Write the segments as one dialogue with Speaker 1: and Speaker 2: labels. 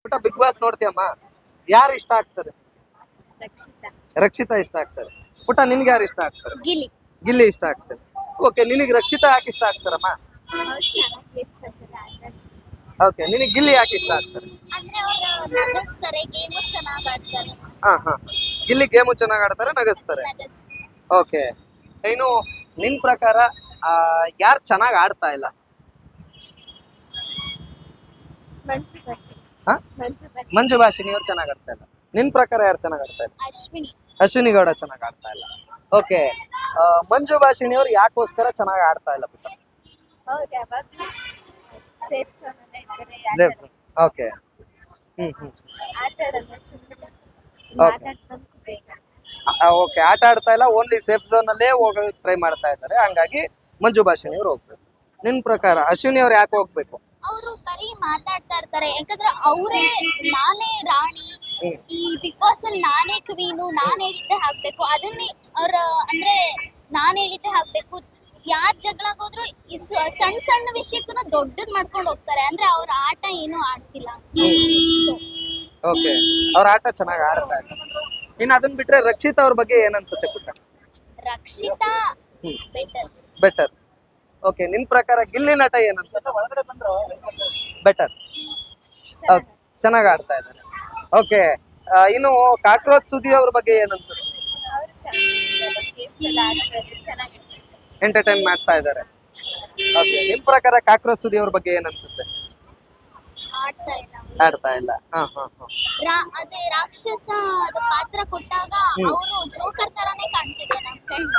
Speaker 1: ಪುಟ್ಟ big boss ನೋಡ್ತೀಯಮ್ಮ, ಯಾರು ಇಷ್ಟ ಆಗ್ತಾರೆ?
Speaker 2: ರಕ್ಷಿತಾ.
Speaker 1: ರಕ್ಷಿತಾ ಇಷ್ಟ ಆಗ್ತಾರೆ. ಪುಟ್ಟ ನಿನ್ಗೆ ಯಾರು ಇಷ್ಟ ಆಗ್ತಾರೆ?
Speaker 2: ಗಿಲಿ.
Speaker 1: ಗಿಲ್ಲಿ ಇಷ್ಟ ಆಗ್ತಾರೆ. ಓಕೆ, ನಿನಗೆ ರಕ್ಷಿತಾ ಯಾಕೆ ಇಷ್ಟ ಆಗ್ತಾರಮ್ಮ? ಓಕೆ, ನಿನಗೆ ಗಿಲ್ಲಿ ಯಾಕೆ ಇಷ್ಟ ಆಗ್ತಾರೆ?
Speaker 2: ಅಂದ್ರೆ ಅವರು ನಗಿಸ್ತಾರೆ, ಗೇಮು ಚೆನ್ನಾಗಿ ಆಡ್ತಾರೆ.
Speaker 1: ಹಾ ಹಾ, ಗಿಲ್ಲಿ ಗೇಮು ಚೆನ್ನಾಗಿ ಆಡ್ತಾರೆ, ನಗಿಸ್ತಾರೆ. ಓಕೆ, ಇನ್ನು ನಿನ್ ಪ್ರಕಾರ ಯಾರು ಚೆನ್ನಾಗಿ ಆಡ್ತಾ ಇಲ್ಲ? ಹಾ? ಮಂಜು ಭಾಷಿಣಿ ಅವ್ರು ಚೆನ್ನಾಗಿ ಆಡ್ತಾ ಇಲ್ಲ. ನಿನ್ ಪ್ರಕಾರ ಯಾರು ಚೆನ್ನಾಗಿ ಆಡ್ತಾ ಇಲ್ಲ?
Speaker 2: ಅಶ್ವಿನಿ.
Speaker 1: ಅಶ್ವಿನಿ ಗೌಡ ಚೆನ್ನಾಗಿ ಆಡ್ತಾ ಇಲ್ಲ. ಓಕೆ, ಮಂಜು ಭಾಷಿಣಿ ಅವ್ರು ಯಾಕೋಸ್ಕರ ಚೆನ್ನಾಗಿ ಆಡ್ತಾ ಇಲ್ಲ ಪುಟ್ಟ?
Speaker 2: ಅವ್ರು ಯಾವಾಗಲೂ ಸೇಫ್ ಝೋನಲ್ಲೇ ಇದ್ದಾರೆ.
Speaker 1: ಓಕೆ,
Speaker 2: ಆಟ ಆಡಲ್ಲ, ಸುಮ್ಮನೆ
Speaker 1: Okay.
Speaker 2: ಮಾತಾಡ್ಕೊಂಡು ಬೇಕು.
Speaker 1: ಓಕೆ, ಆಟ ಆಡ್ತಾ ಇಲ್ಲ, ಓನ್ಲಿ ಸೇಫ್ ಝೋನ್ ಅಲ್ಲೇ ಹೋಗೋಕೆ ಟ್ರೈ ಮಾಡ್ತಾ ಇದ್ದಾರೆ. ಹಂಗಾಗಿ ಮಂಜು ಭಾಷಿಣಿ ಅವ್ರು ಹೋಗ್ಬೇಕು. ನಿನ್ ಪ್ರಕಾರ ಅಶ್ವಿನಿ ಅವ್ರು ಯಾಕೆ ಹೋಗ್ಬೇಕು?
Speaker 2: ಅವರು ಬರೀ ಮಾತಾಡ್ತಾ ಇರ್ತಾರೆ. ಯಾಕಂದ್ರೆ ಅವರೇ ನಾನೇ ರಾಣಿ, ಈ ಬಿಗ್ ಬಾಸ್ ಅಲ್ಲಿ ನಾನೇ ಕ್ವೀನು, ನಾನ್ ಹೇಳಿದ್ದೆ ಹಾಕ್ಬೇಕು, ಅದನ್ನೇ ಅವ್ರ ಅಂದ್ರೆ ನಾನ್ ಹೇಳಿದ್ದೆ ಹಾಕ್ಬೇಕು. ಯಾರ್ ಜಗಳಾಗೋದ್ರು ಸಣ್ಣ ಸಣ್ಣ ವಿಷಯಕ್ಕೂ ದೊಡ್ಡದ್ ಮಾಡ್ಕೊಂಡು ಹೋಗ್ತಾರೆ. ಅಂದ್ರೆ ಅವ್ರ ಆಟ ಏನು ಆಡ್ತಿಲ್ಲ.
Speaker 1: ಓಕೆ, ಅವ್ರ ಆಟ ಚೆನ್ನಾಗಿ ಆಡ್ತಾ ಇಲ್ಲ. ಇನ್ನು ಅದನ್ನ ಬಿಟ್ರೆ ರಕ್ಷಿತಾ ಅವ್ರ ಬಗ್ಗೆ ಏನ್ ಅನ್ಸುತ್ತೆ ಪುಟ್ಟ?
Speaker 2: ರಕ್ಷಿತಾ ಬೆಟರ್.
Speaker 1: ಬೆಟರ್. ಓಕೆ, ನಿನ್ ಪ್ರಕಾರ ಗಿಲ್ಲಿ ನಟ ಏನ್ ಅನ್ಸುತ್ತೆ? ಬೆಟರ್. ಚೆನ್ನಾಗಿ ಆಡ್ತಾ ಇದ್ದಾರೆ. ಓಕೆ, ಇನ್ನು ಕಾಕ್ರೋಚ್ ಸುದಿ ಅವ್ರ ಬಗ್ಗೆ ಏನ್ ಅನ್ಸುತ್ತೆ? ಎಂಟರ್ಟೈನ್ ಮಾಡ್ತಾ ಇದ್ದಾರೆ. ಓಕೆ, ನಿಮ್ ಪ್ರಕಾರ ಕಾಕ್ರೋಚ್ ಸುದಿ ಅವ್ರ ಬಗ್ಗೆ ಏನ್ ಅನ್ಸುತ್ತೆ?
Speaker 2: ಆಡ್ತಾ ಇಲ್ಲ.
Speaker 1: ಆಡ್ತಾ ಇಲ್ಲ.
Speaker 2: ಅದೇ ರಾಕ್ಷಸ ಅದು ಪಾತ್ರ ಕೊಟ್ಟಾಗ ಅವರು ಜೋಕರ್ ತರಾನೇ ಕಾಣ್ತಿದ್ರು ನಮ್ ಕಣ್ಣು.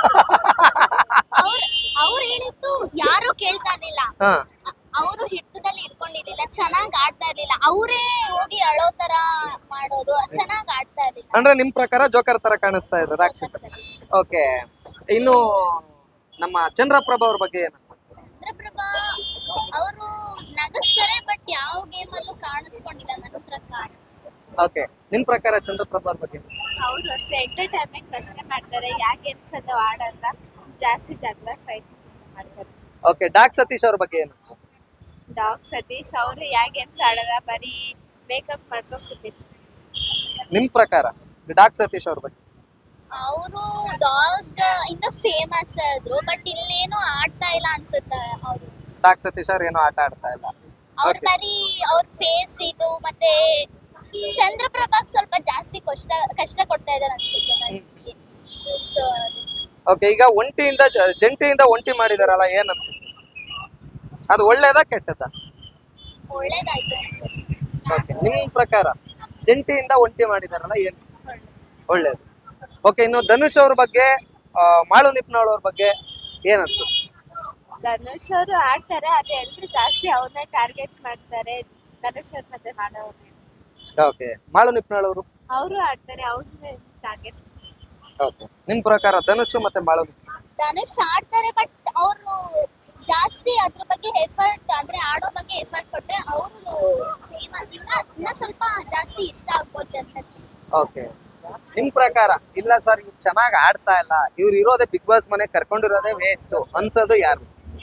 Speaker 2: ಅವ್ರು ಹೇಳಿದ್ದು ಯಾರು ಕೇಳ್ತಾ ಇರ್ಲಿಲ್ಲ. ಅವರು ಹಿಡಿತದಲ್ಲಿ ಇಟ್ಕೊಂಡಿರ್ಲಿಲ್ಲ, ಚೆನ್ನಾಗ್ ಆಡ್ತಾ ಇರ್ಲಿಲ್ಲ. ಅವರೇ ಹೋಗಿ ಅಳೋ ತರ ಮಾಡೋದು, ಚೆನ್ನಾಗ್ ಆಡ್ತಾ ಇರ್ಲಿಲ್ಲ.
Speaker 1: ಅಂದ್ರೆ ನಿಮ್ ಪ್ರಕಾರ ಜೋಕರ್ ತರ ಕಾಣಿಸ್ತಾ ಇದ್ರು ರಾಕ್ಷಸ. ಓಕೆ, ಇನ್ನು ನಮ್ಮ ಚಂದ್ರಪ್ರಭಾ ಅವ್ರ ಬಗ್ಗೆ ಏನ್ ಅನ್ಸುತ್ತೆ?
Speaker 2: ಚಂದ್ರಪ್ರಭಾ ಅವರು ನಗಿಸ್ತಾರೆ, ಬಟ್ ಯಾವ ಗೇಮ್ ಅಲ್ಲೂ ಕಾಣಿಸ್ಕೊಂಡಿಲ್ಲ ನನ್ನ ಪ್ರಕಾರ.
Speaker 1: ಓಕೆ, ನಿಮ್ ಪ್ರಕಾರ ಚಂದ್ರಪ್ರಭಾ ಅವ್ರ ಬಗ್ಗೆ?
Speaker 2: ಅವರು ಅಷ್ಟೇ ಎಂಟರ್ಟೈನ್ಮೆಂಟ್ ಅಷ್ಟೇ ಮಾಡ್ತಾರೆ, ಯಾವ ಗೇಮ್ಸ್ ಅಲ್ಲೂ ಆಡಲ್ಲ, ಜಾಸ್ತಿ ಜಗಳ ಫೈಟ್ ಮಾಡ್ತಾರೆ.
Speaker 1: ಓಕೆ, ಡಾಕ್ ಸತೀಶ್ ಅವ್ರ ಬಗ್ಗೆ ಏನು?
Speaker 2: ಡಾಗ್ ಸತೀಶ್ ಅವರು ಯಾವ ಗೇಮ್ಸ್ ಆಡಲ್ಲ, ಬರೀ ಮೇಕಪ್ ಮಾಡ್ಕೊಂಡು ಕೂತಿದ್ರು.
Speaker 1: ನಿಮ್ ಪ್ರಕಾರ ಡಾಕ್ ಸತೀಶ್ ಅವ್ರ ಬಗ್ಗೆ?
Speaker 2: ಅವರು ಡಾಗ್ ಇಂದ ಫೇಮಸ್ ಆದ್ರು, ಬಟ್ ಇಲ್ಲೇನು ಆಡ್ತಾ ಇಲ್ಲ ಅನ್ಸುತ್ತೆ. ಅವರು
Speaker 1: ಡಾಕ್ ಸತೀಶ್ ಅವ್ರ ಏನೋ ಆಟ ಆಡ್ತಾ ಇಲ್ಲ.
Speaker 2: ಅವ್ರ ಬರೀ ಅವ್ರ ಫೇಸ್ ಇದು, ಮತ್ತೆ ಚಂದ್ರಪ್ರಭಾಗ್ ಸ್ವಲ್ಪ ಜಾಸ್ತಿ ಕಷ್ಟ ಕೊಡ್ತಾ ಇದಾರೆ ಅನ್ಸುತ್ತೆ ನನಗೆ. ಸೊ
Speaker 1: ಓಕೆ, ಈಗ ಜಂಟಿಯಿಂದ ಒಂಟಿ ಮಾಡಿದಾರಲ್ಲ, ಏನ್ ಅನ್ಸುತ್ತೆ? ಅದು ಒಳ್ಳೇದಾ ಕೆಟ್ಟದಾ?
Speaker 2: ಒಳ್ಳೇದಾಯ್ತು ಅನ್ಸುತ್ತೆ.
Speaker 1: ಓಕೆ, ನಿಮ್ ಪ್ರಕಾರ ಜಂಟಿಯಿಂದ ಒಂಟಿ ಮಾಡಿದಾರಲ್ಲ, ಏನ್ ಒಳ್ಳೇದು? ಓಕೆ, ಇನ್ನು ಧನುಷ್ ಅವ್ರ ಬಗ್ಗೆ, ಮಾಳು ನಿಪ್ನಾಳ್ ಅವ್ರ ಬಗ್ಗೆ ಏನ್ ಅನ್ಸುತ್ತೆ?
Speaker 2: ಧನುಷ್ ಅವರು ಆಡ್ತಾರೆ, ಆದ್ರೆ ಎಲ್ರು ಜಾಸ್ತಿ ಅವ್ರನ್ನ ಟಾರ್ಗೆಟ್ ಮಾಡ್ತಾರೆ. ಧನುಷ್ ಅವ್ರ ಮತ್ತೆ ಮಾಡೋರು.
Speaker 1: ಓಕೆ, ಮಾಳು ನಿಪ್ನಾಳ್ ಅವರು
Speaker 2: ಆಡ್ತಾರೆ, ಅವ್ರನ್ನ ಟಾರ್ಗೆಟ್.
Speaker 1: ಓಕೆ, ನಿಮ್ ಪ್ರಕಾರ ಧನುಷ್ ಮತ್ತೆ ಮಾಳು?
Speaker 2: ಧನುಷ್ ಆಡ್ತಾರೆ, ಬಟ್ ಅವರು ಜಾಸ್ತಿ ಅದ್ರ ಬಗ್ಗೆ ಎಫರ್ಟ್, ಅಂದ್ರೆ ಆಡೋ ಬಗ್ಗೆ ಎಫರ್ಟ್ ಕೊಟ್ರೆ ಅವರು ಫೇಮಸ್ ಇನ್ನ ಸ್ವಲ್ಪ ಜಾಸ್ತಿ ಇಷ್ಟ ಆಗ್ಬೋದು ಜನಕ್ಕೆ.
Speaker 1: ಓಕೆ, ನಿಮ್ ಪ್ರಕಾರ ಇಲ್ಲ ಸರ್ ಇವ್ರು ಚೆನ್ನಾಗಿ ಆಡ್ತಾ ಇಲ್ಲ, ಇವ್ರು ಇರೋದೇ ಬಿಗ್ ಬಾಸ್ ಮನೆ ಕರ್ಕೊಂಡಿರೋದೇ ವೇಸ್ಟ್ ಅನ್ಸೋದು ಯಾರು?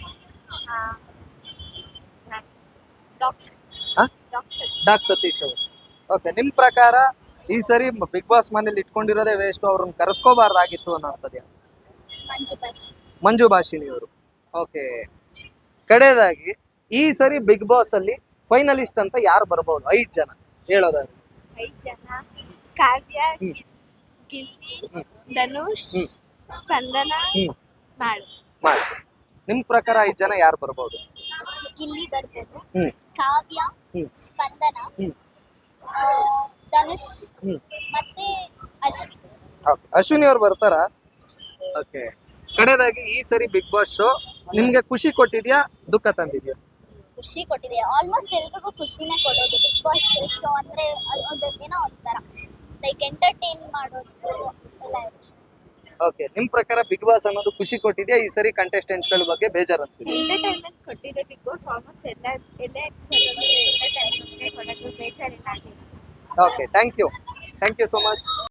Speaker 1: ಡಾಕ್ ಸತೀಶ್ ಅವರು. ಓಕೆ, ನಿಮ್ ಪ್ರಕಾರ ಈ ಸರಿ ಬಿಗ್ ಬಾಸ್ ಮನೇಲಿ ಇಟ್ಕೊಂಡಿರೋದೇ ವೇಸ್ಟ್, ಅವ್ರನ್ನ ಕರೆಸ್ಕೋಬಾರ್ದಾಗಿತ್ತು ಅನ್ನೋಂಥದ್ದು ಯಾರು? ಮಂಜು ಭಾಷಿಣಿ ಅವರು. ಓಕೆ, ಕಡೆಯದಾಗಿ ಈ ಸರಿ ಬಿಗ್ ಬಾಸ್ ಅಲ್ಲಿ ಫೈನಲಿಸ್ಟ್ ಅಂತ ಯಾರು ಬರ್ಬೋದು? 5 ಜನ ಹೇಳೋದಾದ್ರೆ.
Speaker 2: 5 ಜನ: ಕಾವ್ಯ, ಗಿಲ್ಲಿ, ಧನುಷ್, ಸ್ಪಂದನ, ಮಾಳು.
Speaker 1: ನಿಮ್ ಪ್ರಕಾರ 5 ಜನ ಯಾರು ಬರ್ಬೋದು?
Speaker 2: ಗಿಲ್ಲಿ ಬರ್ಬೋದು, ಕಾವ್ಯ, ಸ್ಪಂದನ, ಧನುಷ್ ಮತ್ತೆ ಅಶ್ವಿನಿ.
Speaker 1: ಅಶ್ವಿನಿ ಅವ್ರು ಬರ್ತಾರಾ? ಓಕೆ, ಕಡೆಯದಾಗಿ ಈ ಸರಿ ಬಿಗ್ ಬಾಸ್ ಶೋ ನಿಮ್ಗೆ ಖುಷಿ ಕೊಟ್ಟಿದ್ಯಾ, ದುಃಖ ತಂದಿದ್ಯಾ?
Speaker 2: ಖುಷಿ ಕೊಟ್ಟಿದೆ. ಆಲ್ಮೋಸ್ಟ್ ಎಲ್ರಿಗೂ ಖುಷಿನೇ ಕೊಡೋದು ಬಿಗ್ ಬಾಸ್ ಶೋ ಅಂದ್ರೆ. ಏನೋ ಒಂಥರ ಲೈಕ್ ಎಂಟರ್ಟೈನ್ ಮಾಡೋದು ಎಲ್ಲ ಇರುತ್ತೆ.
Speaker 1: ಓಕೆ, ನಿಮ್ ಪ್ರಕಾರ ಬಿಗ್ ಬಾಸ್ ಅನ್ನೋದು ಖುಷಿ ಕೊಟ್ಟಿದ್ಯಾ, ಈ ಸರಿ ಕಂಟೆಸ್ಟೆಂಟ್ಸ್ ಗಳ ಬಗ್ಗೆ ಬೇಜಾರು ಅನ್ಸಿದೆ?
Speaker 2: ಎಂಟರ್ಟೈನ್ಮೆಂಟ್ ಕೊಟ್ಟಿದೆ ಬಿಗ್ ಬಾಸ್. ಆಲ್ಮೋಸ್ಟ್ ಎಲ್ಲ ಎಪಿಸೋಡ್ ಎಂಟರ್ಟೈನ್ಮೆಂಟ್ ಕೊಡೋದು, ಬೇಜಾರಿಲ್ಲ.
Speaker 1: Okay, thank you so much.